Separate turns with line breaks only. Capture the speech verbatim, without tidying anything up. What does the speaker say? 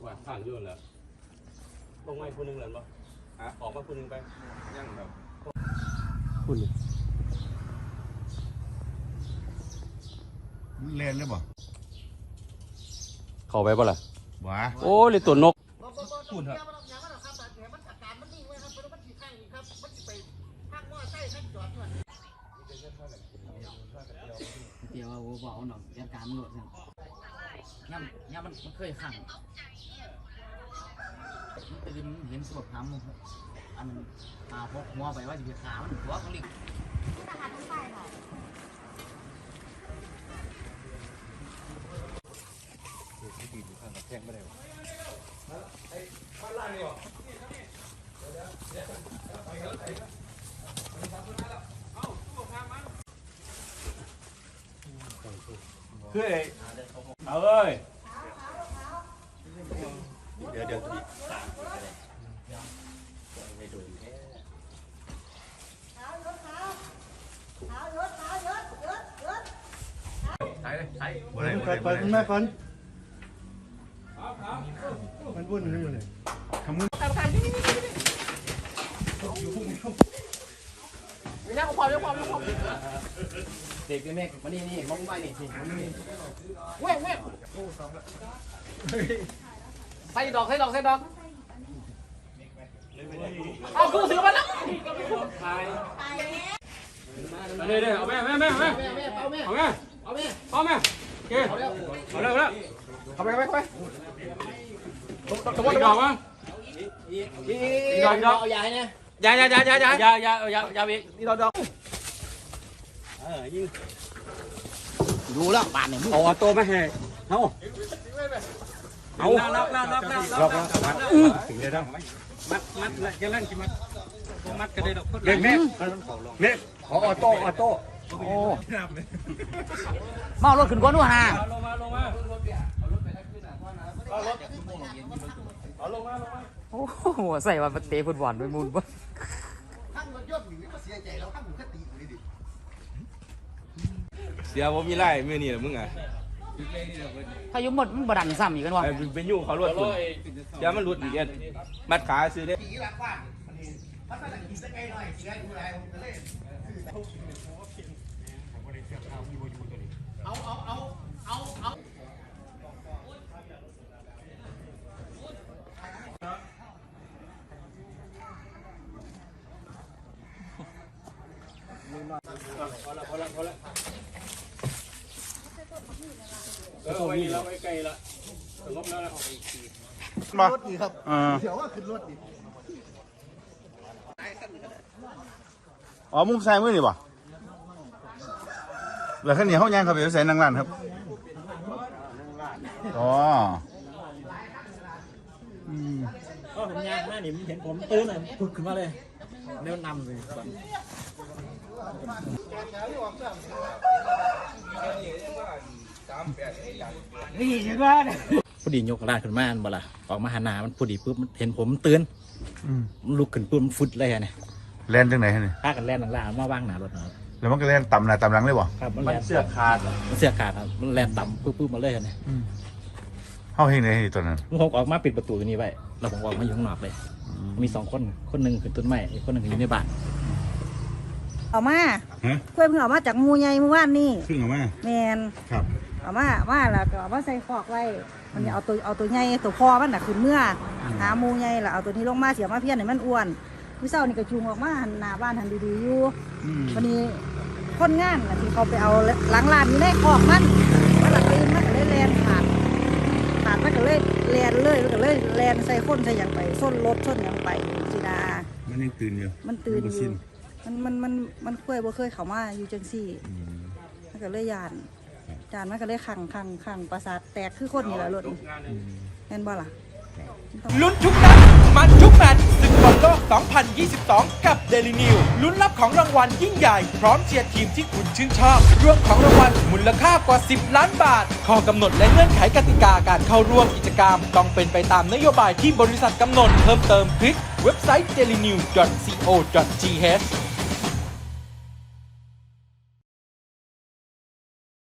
ว่าผ่านยุ่นแล้วลงไม้คนนึงเลยป่ะออกมาคนนึงไปยังแบบคุณ
เล่นเลยบ่
เข้าไปป่ะล่ะ
ว้า
โอ้เลยตัวนก
คุณครับ
เดี๋ยวเอาบอกหน่อยเรื่องการมันหลุดเนี่ยย่ำย่ำมันมันเคยขังมันตื่นเห็นสวดทำอันตาพกหัวไปว่าจะไปขามันหัวเขาลิง
แข่งไม่ได้เฮ้ยเอาเลยเดี๋ยวเดี๋ยวทีไม่ดูแค่ใช่เลยใช่
บ่ได้บ่
ก่อนก่อนคุณแม่ก่อนมันวุ่นขึ้นมาเลยทำมือ
ไม่ได้ความเรื่องความเรื่องความเด็กแม่มานี่นี่มองไปนี่สิเว้ยเว้ยใส่ดอกใส่ดอกใส่ดอกเอากูถือมาแล้ว
เดี๋ยวเดี๋ยวเอาแม่แม่แม่แม่เอาแม่เอาแม่เอาแม่เอาแม่โอเคเอาแล้วเอาแล้วเอาไปไปไปตะวันดอกมั้งอีดอกดอก
เอายาให้เนี่ย
ยายายายายายายายายาอีกนี่ดอกดอกเออยิง
ดูแล้วบานเนี่ย
เอาตัวมาให้เอาเอาล็อกล็อกล็อกล็อกล็อกล็อกถึงได้ต้องมัดมัดแล้วจะเล่นกี่มัดมัดก็ได้ดอกเด็กเนี่ยเนี่ยขอออโต้ออโต้
โอ้เมารถขึ้นก้นด้วยฮะ
ลงมาลงมาเอารถเอาลงมาลงมา
โอ้โหใส่วันเตะฟุตบอลด้วยมูลบ่
เสียผมมีไล่เมื่อนี่แหละมึงอ่ะ
ถ้ายุ่งหมดมันบดันซ้ำอีกกันวะ
เป็นยุ่งเขาลวดคุณอย่ามันหลุดอีกเอ็นมัดขาซื้อได้
เอาเอาเอาเอาเอา
พอละพอละพอละเออไว้แล้วไว้ไกลละสงบแล้วนะ
รถดีครับเดี๋ยวว่าขึ้นรถดี
อ๋อมุมซ้ายมือนี่บ่แล้วขั้นนี้เขาย่างเขาไปใส่นางร้านครับอ๋ออืม
ก็ผมย่างหน้าหนิมเห็นผมตื้นเลยพุดขึ้นมาเลยเร็วนำเลย
นี่เห็นว่าเนี่ยพอดียกร่างขึ้นมาบ่ล่ะออกมาหาหนามันพอดีปุ๊บเห็นผมตื่นมันลุกขึ้นปุ๊บมันฟุดเลยเนี่ย
แล่นจังไหนฮะเนี่ย
พากันแล่นหลังๆมาว่างหนารถเนาะ
แล้วมันก็แล่นต่ำหน้าต่ำหลังเลยบ่
ครับ
มันเสื้อขาด
มันเสื้อขาดครับมันแล่นต่ำปุ๊บปุ๊บมาเลยเนี่ย
เข้าให้ไหนตัวนั้น
ผมออกมาปิดประตูตัวนี้ไว้แล้วผมออกมาอยู่ข้างนอกเลยมีสองคนคนหนึ่งคือต้นไม้อีกคนหนึ่งอยู่ในบ้าน
เอามาเพื่อนเพิ่งเอามาจากมูใหญ่เมื่อวานนี่
ขึ้นออกมา
แมน
ครับ
เอามาว่าแล้วก็เอามาใส่คอกไว้มันเอาตัวเอาตัวใหญ่ตัวคอมันน่ะขึ้นเมื่อหามูใหญ่แล้วเอาตัวนี้ลงมาเสียมาเพี้ยนให้มันอ้วนพี่เศร้านี่ก็จูงออกมาหันหน้าบ้านหันดีๆอยู่วันนี้คนงานที่เขาไปเอาหลังลานอยู่ในคอกมันมันหลังตื่นมันก็เลยแลนขาดขาดมันก็เลยแลนเลยมันก็เลยแลนใส่คนใส่อย่างไปส้นรถส้นอย่างไปจีดา
มันยังตื่นอยู่
มันตื่นอยู่มันมันมันมันเคยบ่เคยเข้ามาอยู่จังซี่มันก็เลยยานยานมันก็เลยขังขังขังประสาทแตกคือคนนี่แหละรถเห็นบ่ล่ะ
ลุ้นทุกนัดมันทุกแมตช์ศึกบอลโลก สองพันยี่สิบสอง กับ Daily News ลุ้นรับของรางวัลยิ่งใหญ่พร้อมเชียร์ทีมที่คุณชื่นชอบรวมของรางวัลมูลค่ากว่าสิบล้านบาทข้อกำหนดและเงื่อนไขกติกาการเข้าร่วมกิจกรรมต้องเป็นไปตามนโยบายที่บริษัทกำหนดเพิ่มเติมคลิกเว็บไซต์ เดลินิวส์ ดอท ซี โอ ดอท ที เอช